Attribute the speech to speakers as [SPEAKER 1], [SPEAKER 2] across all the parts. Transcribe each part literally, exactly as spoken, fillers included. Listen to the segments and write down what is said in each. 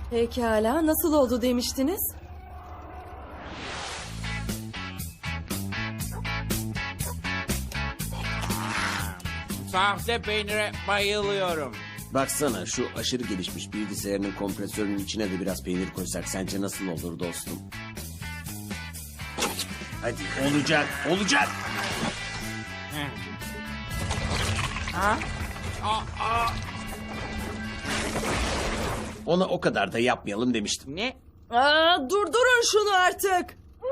[SPEAKER 1] Pekala, nasıl oldu demiştiniz?
[SPEAKER 2] Sahte peynire bayılıyorum.
[SPEAKER 3] Baksana şu aşırı gelişmiş bilgisayarının kompresörünün içine de biraz peynir koysak sence nasıl olur dostum? Hadi olacak, olacak.
[SPEAKER 2] Ha? Aa, aa.
[SPEAKER 3] Ona o kadar da yapmayalım demiştim.
[SPEAKER 2] Ne?
[SPEAKER 1] Aa, durdurun şunu artık.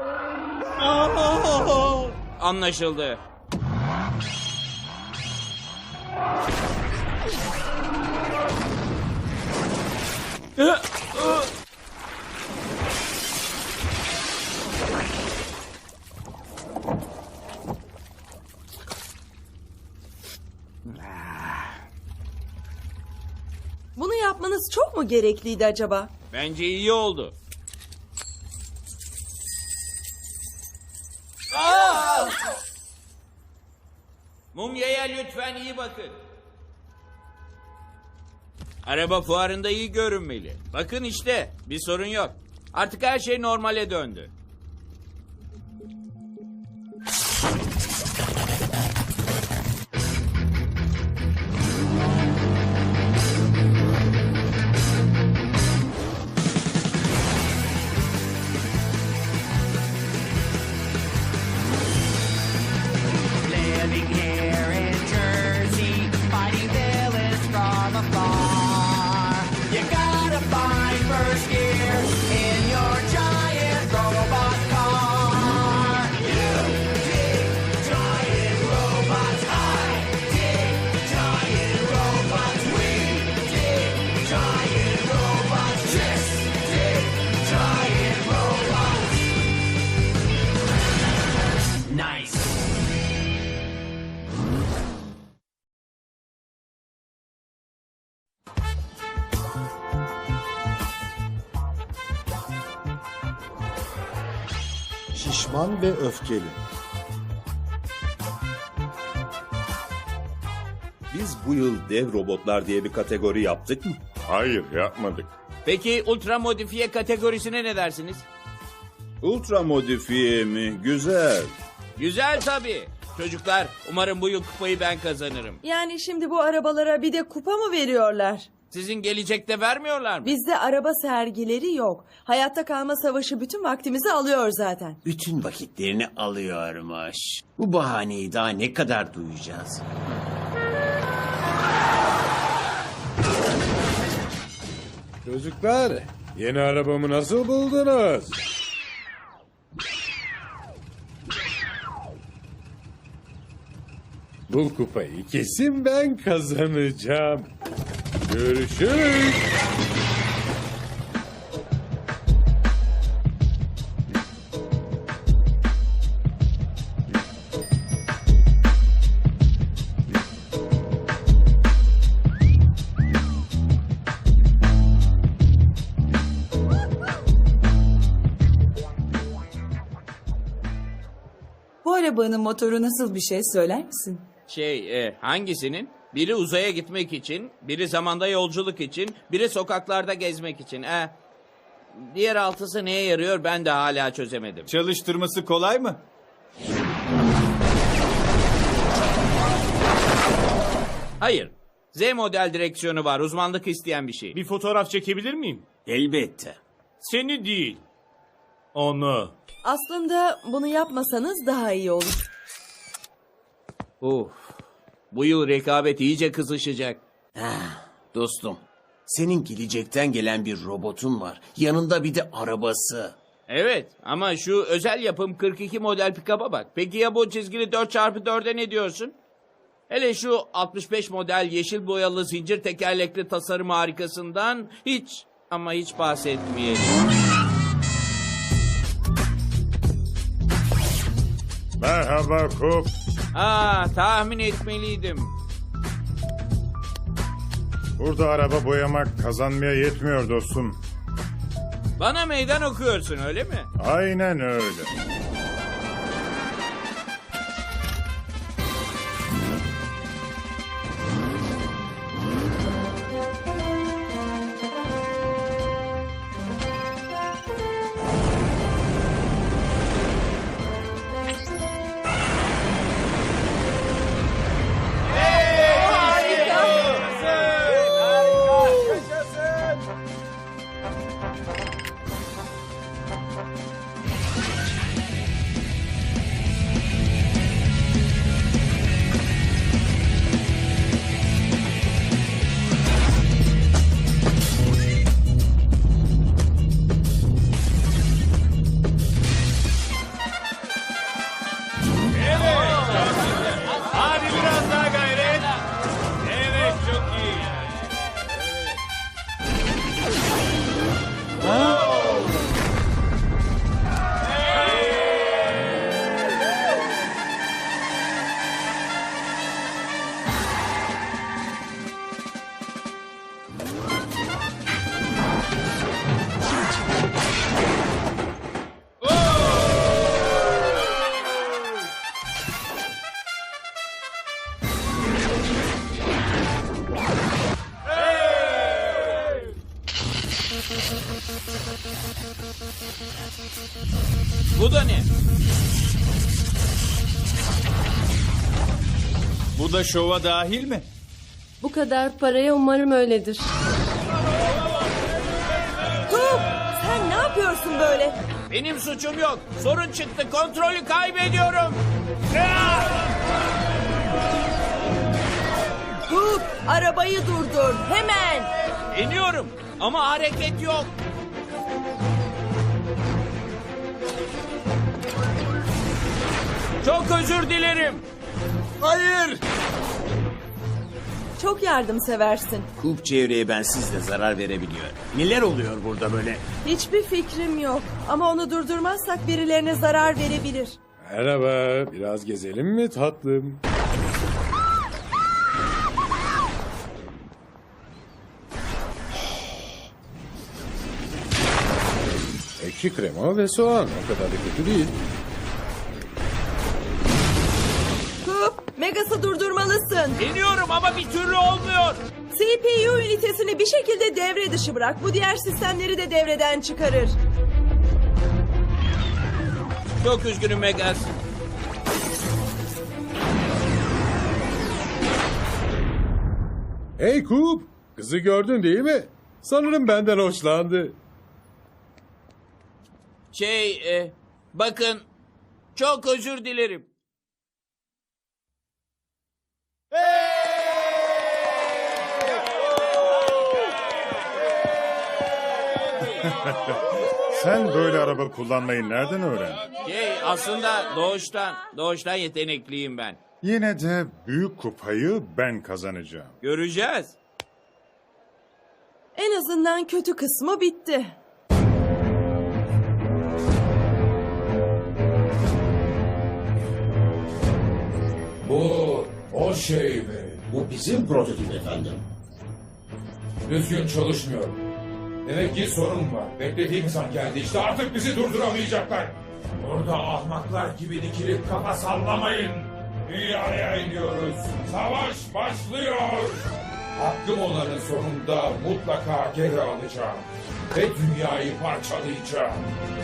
[SPEAKER 2] Anlaşıldı.
[SPEAKER 1] Bunu yapmanız çok mu gerekliydi acaba?
[SPEAKER 2] Bence iyi oldu. Aa! Mumyaya lütfen iyi bakın. Araba fuarında iyi görünmeli. Bakın işte, bir sorun yok. Artık her şey normale döndü.
[SPEAKER 4] Living here in Jersey, fighting villains from afar. You gotta find first gear in your giant robot car. You dig giant robots, I dig giant robots, we dig giant robots, just dig giant robots. Nice.
[SPEAKER 5] Şişman ve öfkeli.
[SPEAKER 6] Biz bu yıl dev robotlar diye bir kategori yaptık mı?
[SPEAKER 7] Hayır, yapmadık.
[SPEAKER 2] Peki ultra modifiye kategorisine ne dersiniz?
[SPEAKER 6] Ultra modifiye mi? Güzel.
[SPEAKER 2] Güzel tabii. Çocuklar, umarım bu yıl kupayı ben kazanırım.
[SPEAKER 1] Yani şimdi bu arabalara bir de kupa mı veriyorlar?
[SPEAKER 2] Sizin gelecekte vermiyorlar mı?
[SPEAKER 1] Bizde araba sergileri yok. Hayatta kalma savaşı bütün vaktimizi alıyor zaten.
[SPEAKER 3] Bütün vakitlerini alıyormuş. Bu bahaneyi daha ne kadar duyacağız?
[SPEAKER 7] Çocuklar, yeni arabamı nasıl buldunuz? Bu kupayı kesin ben kazanacağım. Görüşürüz.
[SPEAKER 8] Bu arabanın motoru nasıl bir şey söyler misin?
[SPEAKER 2] Şey, e, hangisinin? Biri uzaya gitmek için, biri zamanda yolculuk için, biri sokaklarda gezmek için. E, diğer altısı neye yarıyor ben de hala çözemedim.
[SPEAKER 9] Çalıştırması kolay mı?
[SPEAKER 2] Hayır, Z model direksiyonu var, uzmanlık isteyen bir şey.
[SPEAKER 10] Bir fotoğraf çekebilir miyim?
[SPEAKER 3] Elbette.
[SPEAKER 10] Seni değil. Onu.
[SPEAKER 1] Aslında bunu yapmasanız daha iyi olur.
[SPEAKER 2] Uf, bu yıl rekabet iyice kızışacak.
[SPEAKER 3] Dostum, senin gelecekten gelen bir robotun var. Yanında bir de arabası.
[SPEAKER 2] Evet ama şu özel yapım kırk iki model pikaba bak. Peki ya bu çizgili dört çarpı dörde ne diyorsun? Hele şu altmış beş model yeşil boyalı zincir tekerlekli tasarım harikasından hiç ama hiç bahsetmeyelim.
[SPEAKER 7] Merhaba Kup.
[SPEAKER 2] Aa, tahmin etmeliydim.
[SPEAKER 7] Burada araba boyamak kazanmaya yetmiyor dostum.
[SPEAKER 2] Bana meydan okuyorsun öyle mi?
[SPEAKER 7] Aynen öyle.
[SPEAKER 2] Bu da ne?
[SPEAKER 10] Bu da şova dahil mi?
[SPEAKER 1] Bu kadar paraya umarım öyledir. Kup, sen ne yapıyorsun böyle?
[SPEAKER 2] Benim suçum yok. Sorun çıktı. Kontrolü kaybediyorum.
[SPEAKER 1] Kup, arabayı durdur hemen.
[SPEAKER 2] İniyorum ama hareket yok. Çok özür dilerim.
[SPEAKER 3] Hayır!
[SPEAKER 1] Çok yardımseversin.
[SPEAKER 3] Kup çevreye bensiz de zarar verebiliyor. Neler oluyor burada böyle?
[SPEAKER 1] Hiçbir fikrim yok. Ama onu durdurmazsak birilerine zarar verebilir.
[SPEAKER 7] Merhaba, biraz gezelim mi tatlım? Ekşi krema ve soğan, o kadar da kötü değil.
[SPEAKER 1] Kup, Megas'ı durdurmalısın.
[SPEAKER 2] İniyorum ama bir türlü olmuyor.
[SPEAKER 1] C P U ünitesini bir şekilde devre dışı bırak. Bu diğer sistemleri de devreden çıkarır.
[SPEAKER 2] Çok üzgünüm Megas.
[SPEAKER 7] Hey Kup, kızı gördün değil mi? Sanırım benden hoşlandı.
[SPEAKER 2] Şey, e, bakın, çok özür dilerim.
[SPEAKER 7] Sen böyle araba kullanmayı nereden öğrendin?
[SPEAKER 2] Şey, aslında doğuştan, doğuştan yetenekliyim ben.
[SPEAKER 7] Yine de büyük kupayı ben kazanacağım.
[SPEAKER 2] Göreceğiz.
[SPEAKER 1] En azından kötü kısmı bitti.
[SPEAKER 9] Bu o şey mi?
[SPEAKER 5] Bu bizim prototip efendim.
[SPEAKER 9] Düzgün çalışmıyor. Demek ki sorun var. Beklediğimiz an geldi. İşte artık bizi durduramayacaklar. Burada ahmaklar gibi dikilip kafa sallamayın. Dünyaya iniyoruz. Savaş başlıyor. Hakkım olanın sonunda mutlaka geri alacağım. Ve dünyayı parçalayacağım.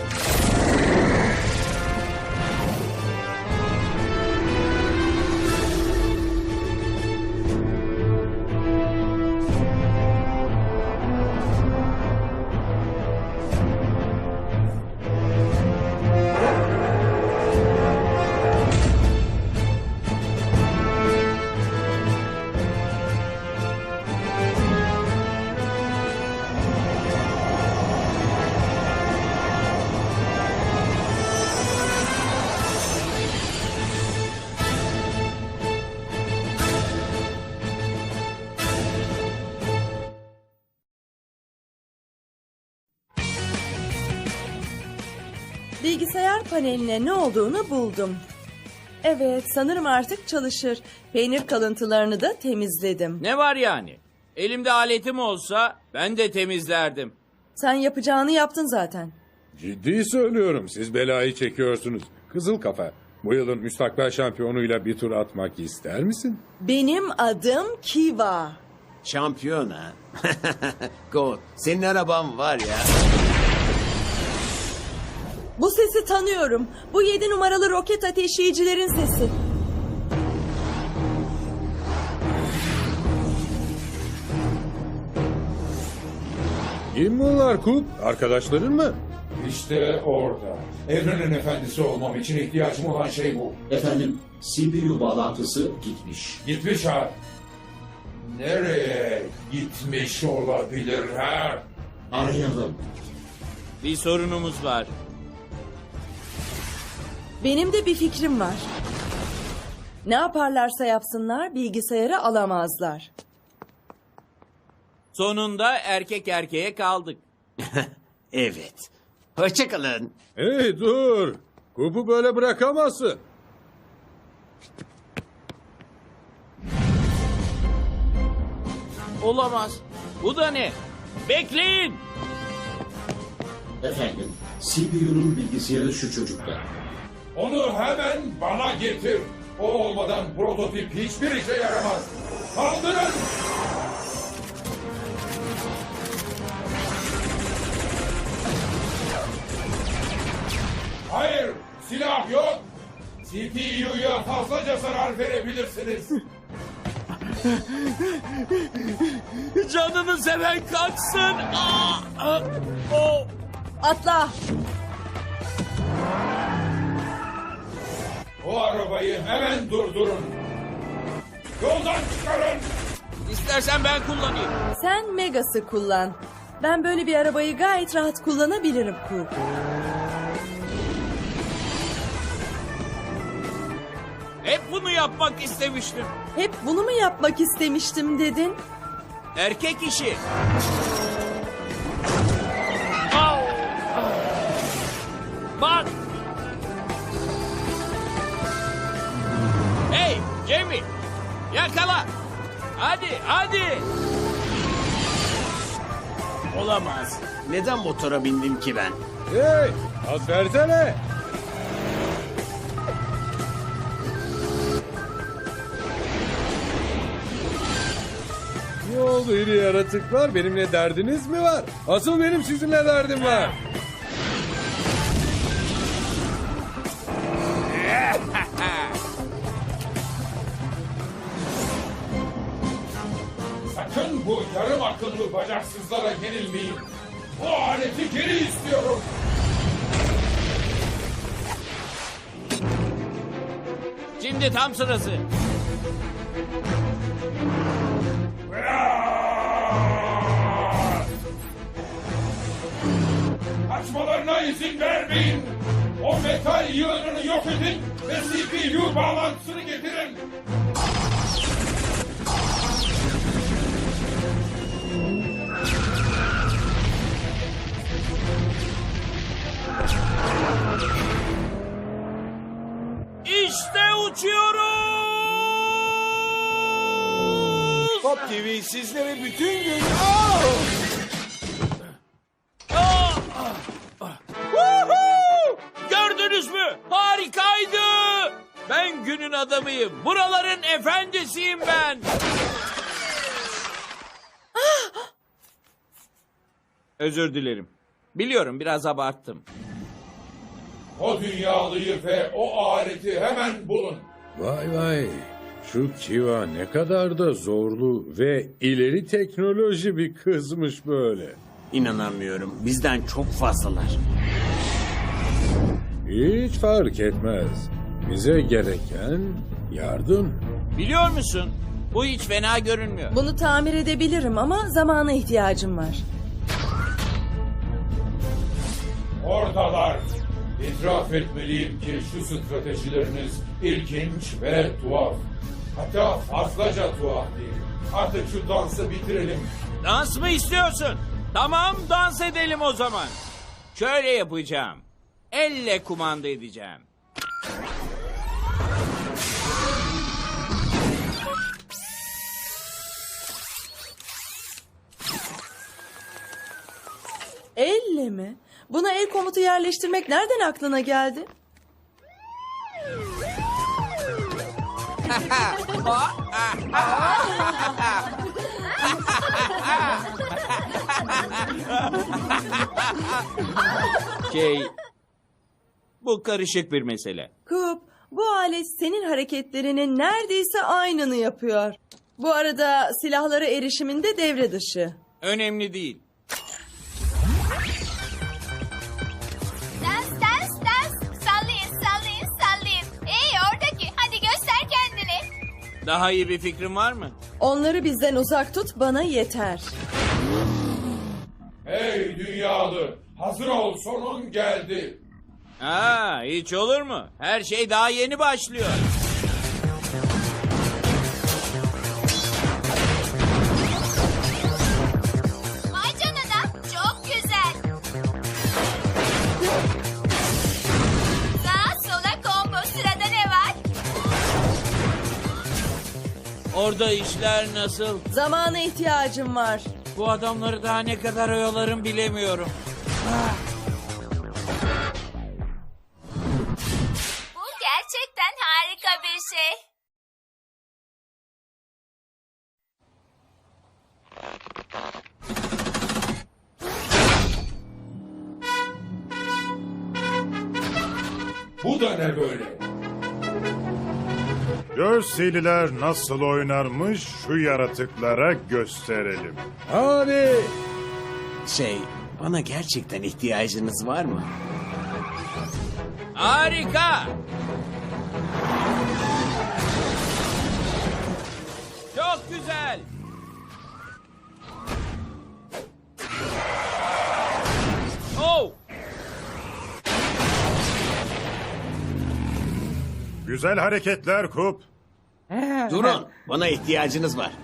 [SPEAKER 1] Bilgisayar paneline ne olduğunu buldum. Evet, sanırım artık çalışır. Peynir kalıntılarını da temizledim.
[SPEAKER 2] Ne var yani? Elimde aletim olsa ben de temizlerdim.
[SPEAKER 1] Sen yapacağını yaptın zaten.
[SPEAKER 7] Ciddi söylüyorum, siz belayı çekiyorsunuz. Kızıl kafa, bu yılın müstakbel şampiyonuyla bir tur atmak ister misin?
[SPEAKER 1] Benim adım Kiva.
[SPEAKER 3] Şampiyon ha? Goat, senin araban var ya.
[SPEAKER 1] Bu sesi tanıyorum. Bu yedi numaralı roket ateşleyicilerin sesi.
[SPEAKER 7] Kim bunlar Kup? Arkadaşların mı?
[SPEAKER 9] İşte orada. Evrenin efendisi olmam için ihtiyacım olan şey bu.
[SPEAKER 5] Efendim, C P U bağlantısı gitmiş.
[SPEAKER 9] Gitmiş ha. Nereye gitmiş olabilir ha?
[SPEAKER 5] Arayalım.
[SPEAKER 2] Bir sorunumuz var.
[SPEAKER 1] Benim de bir fikrim var. Ne yaparlarsa yapsınlar bilgisayarı alamazlar.
[SPEAKER 2] Sonunda erkek erkeğe kaldık.
[SPEAKER 3] Evet. Hoşçakalın.
[SPEAKER 7] Hey dur! Kup'u böyle bırakamazsın.
[SPEAKER 2] Olamaz. Bu da ne? Bekleyin.
[SPEAKER 5] Efendim, C P U'nun bilgisayarı şu çocukta.
[SPEAKER 9] Onu hemen bana getir. O olmadan prototip hiçbir işe yaramaz. Kaldırın! C P U'ya fazlaca zarar verebilirsiniz.
[SPEAKER 2] Canını seven kaçsın. Aa, aa, o.
[SPEAKER 1] Atla.
[SPEAKER 9] O arabayı hemen durdurun. Yoldan çıkarın.
[SPEAKER 2] İstersen ben kullanayım.
[SPEAKER 1] Sen Megas'ı kullan. Ben böyle bir arabayı gayet rahat kullanabilirim Coop.
[SPEAKER 2] Hep bunu yapmak istemiştim.
[SPEAKER 1] Hep bunu mu yapmak istemiştim dedin?
[SPEAKER 2] Erkek işi. Au! Bak. Hey Jamie. Yakala. Hadi hadi.
[SPEAKER 3] Olamaz. Neden motora bindim ki ben?
[SPEAKER 7] Hey, az versene. Ne oldu iri yaratıklar? Benimle derdiniz mi var? Asıl benim sizinle derdim var.
[SPEAKER 9] Sakın bu yarım akıllı bacaksızlara yenilmeyin. O aleti geri istiyorum.
[SPEAKER 2] Şimdi tam sırası.
[SPEAKER 9] Kaçmalarına izin vermeyin. O metal yığınını yok edin ve C P U bağlantısını getirin.
[SPEAKER 2] İşte uçuyoruz.
[SPEAKER 10] Pop T V sizlere bütün gün...
[SPEAKER 2] Woohoo! Gördünüz mü? Harikaydı. Ben günün adamıyım. Buraların efendisiyim ben. Özür dilerim. Biliyorum biraz abarttım.
[SPEAKER 9] O dünyalıyı ve o aleti hemen bulun.
[SPEAKER 7] Vay vay. Şu Kiva ne kadar da zorlu ve ileri teknoloji bir kızmış böyle.
[SPEAKER 3] İnanamıyorum. Bizden çok fazlalar.
[SPEAKER 7] Hiç fark etmez. Bize gereken yardım.
[SPEAKER 2] Biliyor musun? Bu hiç fena görünmüyor.
[SPEAKER 1] Bunu tamir edebilirim ama zamana ihtiyacım var.
[SPEAKER 9] Oradalar. İtiraf etmeliyim ki şu stratejileriniz ilginç ve tuhaf. Hatta fazlaca tuhaf değil. Artık şu dansı bitirelim.
[SPEAKER 2] Dans mı istiyorsun? Tamam dans edelim o zaman. Şöyle yapacağım. Elle kumanda edeceğim.
[SPEAKER 1] Elle mi? Buna el komutu yerleştirmek nereden aklına geldi?
[SPEAKER 2] Şey, bu karışık bir mesele.
[SPEAKER 1] Coop, bu alet senin hareketlerinin neredeyse aynını yapıyor. Bu arada silahlara erişiminde devre dışı.
[SPEAKER 2] Önemli değil.
[SPEAKER 11] Dans dans dans. Sallayın sallayın sallayın. Hey oradaki hadi göster kendini.
[SPEAKER 2] Daha iyi bir fikrin var mı?
[SPEAKER 1] Onları bizden uzak tut, bana yeter.
[SPEAKER 9] Hey dünyalı, hazır ol, sonun geldi.
[SPEAKER 2] Aa, hiç olur mu? Her şey daha yeni başlıyor.
[SPEAKER 11] Vay canına çok güzel. Sağa sola combo, sırada ne var?
[SPEAKER 2] Orada işler nasıl?
[SPEAKER 1] Zamana ihtiyacım var.
[SPEAKER 2] Bu adamları daha ne kadar oyalarım bilemiyorum.
[SPEAKER 11] Bu gerçekten harika bir şey.
[SPEAKER 9] Bu da ne böyle?
[SPEAKER 12] Jerseyliler nasıl oynarmış şu yaratıklara gösterelim.
[SPEAKER 7] Abi!
[SPEAKER 3] Şey, bana gerçekten ihtiyacınız var mı?
[SPEAKER 2] Harika! Çok güzel! Oh!
[SPEAKER 12] Güzel hareketler Kup.
[SPEAKER 3] Durun, bana ihtiyacınız var.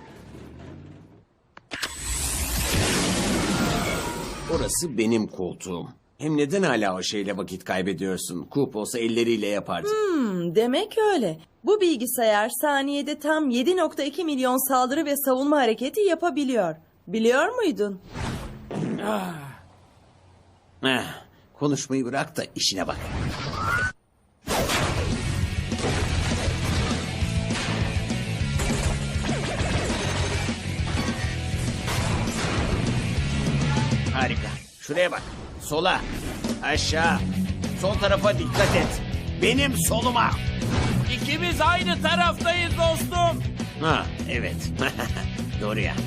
[SPEAKER 3] Orası benim koltuğum. Hem neden hala o şeyle vakit kaybediyorsun? Kup olsa elleriyle yapardı.
[SPEAKER 1] Hmm, demek öyle. Bu bilgisayar saniyede tam yedi nokta iki milyon saldırı ve savunma hareketi yapabiliyor. Biliyor muydun?
[SPEAKER 3] Heh, konuşmayı bırak da işine bak. Harika. Şuraya bak. Sola. Aşağı. Sol tarafa dikkat et. Benim soluma.
[SPEAKER 2] İkimiz aynı taraftayız dostum.
[SPEAKER 3] Ha, evet. Doğru ya.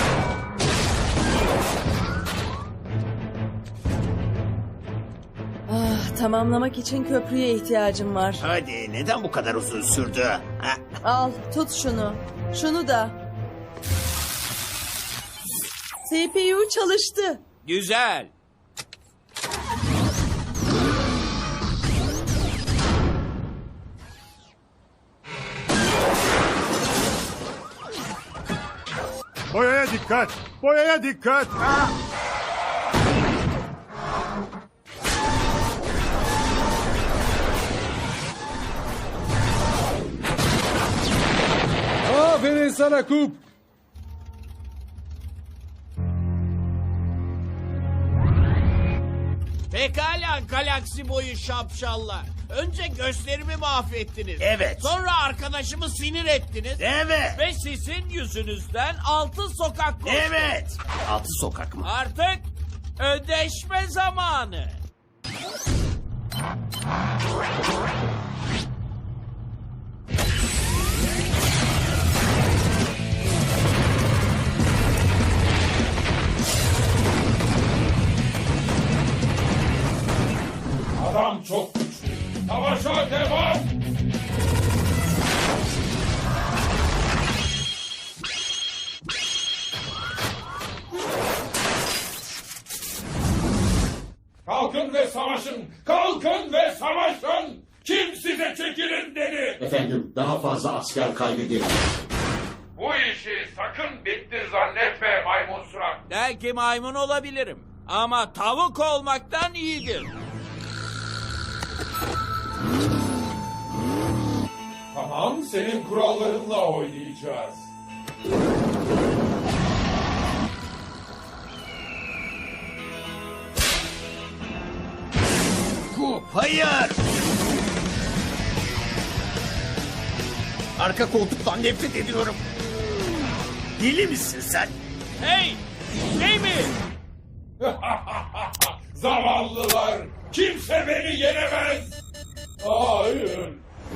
[SPEAKER 1] Ah, tamamlamak için köprüye ihtiyacım var.
[SPEAKER 3] Hadi, neden bu kadar uzun sürdü? Ha?
[SPEAKER 1] Al, tut şunu. Şunu da. C P U çalıştı.
[SPEAKER 2] Güzel.
[SPEAKER 12] Boyaya dikkat. Boyaya dikkat.
[SPEAKER 7] Aferin sana Kup.
[SPEAKER 2] Pekala galaksi boyu şapşallar. Önce gösterimi mahvettiniz.
[SPEAKER 3] Evet.
[SPEAKER 2] Sonra arkadaşımı sinir ettiniz.
[SPEAKER 3] Evet.
[SPEAKER 2] Ve sizin yüzünüzden altın sokak koştu.
[SPEAKER 3] Evet. Altı sokak mı?
[SPEAKER 2] Artık ödeşme zamanı.
[SPEAKER 9] Adam çok güçlü. Savaşa devam! Kalkın ve savaşın! Kalkın ve savaşın! Kim size çekilin dedi?
[SPEAKER 5] Efendim, daha fazla asker kaybedelim.
[SPEAKER 9] Bu işi sakın bitti zannetme maymun surat.
[SPEAKER 2] Belki maymun olabilirim. Ama tavuk olmaktan iyidir.
[SPEAKER 9] Tamam, senin kurallarınla oynayacağız.
[SPEAKER 3] Kup, hayır. Arka koltuktan nefret ediyorum. Deli misin sen?
[SPEAKER 2] Hey! Şey mi?
[SPEAKER 9] Zavallılar! Kimse beni yenemez! Hayır!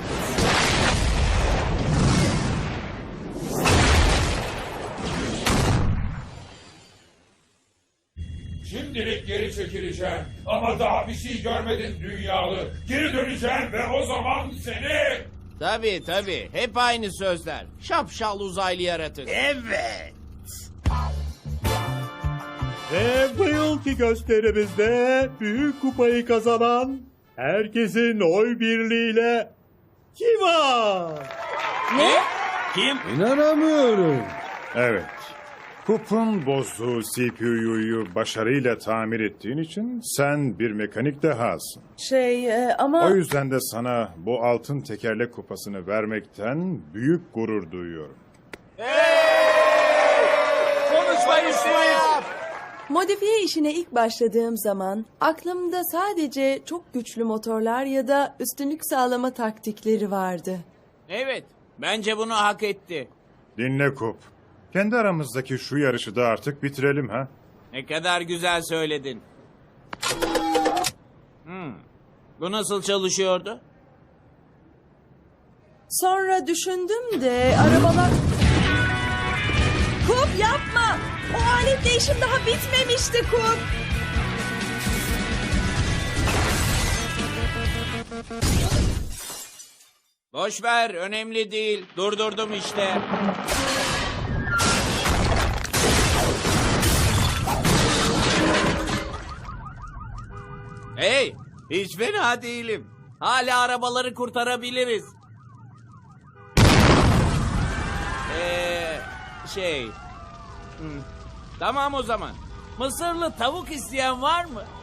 [SPEAKER 9] Şimdilik geri çekileceğim. Ama daha bir şey görmedin dünyalı. Geri döneceğim ve o zaman seni...
[SPEAKER 2] Tabii tabii. Hep aynı sözler. Şapşal uzaylı yaratık.
[SPEAKER 3] Evet.
[SPEAKER 12] Ve bu yılki gösterimizde büyük kupayı kazanan herkesin oy birliğiyle Kiva.
[SPEAKER 1] Ne?
[SPEAKER 3] Kim?
[SPEAKER 7] İnanamıyorum.
[SPEAKER 12] Evet. Kup'un bozduğu C P U'yu başarıyla tamir ettiğin için sen bir mekanik dehasın.
[SPEAKER 1] Şey e, ama...
[SPEAKER 12] O yüzden de sana bu altın tekerlek kupasını vermekten büyük gurur duyuyorum.
[SPEAKER 2] Konuşmayı yap.
[SPEAKER 1] Modifiye işine ilk başladığım zaman aklımda sadece çok güçlü motorlar ya da üstünlük sağlama taktikleri vardı.
[SPEAKER 2] Evet. Bence bunu hak etti.
[SPEAKER 12] Dinle Kup. Kendi aramızdaki şu yarışı da artık bitirelim ha.
[SPEAKER 2] Ne kadar güzel söyledin. Hmm. Bu nasıl çalışıyordu?
[SPEAKER 1] Sonra düşündüm de arabalar... Kup yapma! O aletle işim daha bitmemişti Kup.
[SPEAKER 2] Boş ver, önemli değil. Durdurdum işte. Hey, hiç fena değilim. Hala arabaları kurtarabiliriz. Ee, şey... Hmm, tamam o zaman. Mısırlı tavuk isteyen var mı?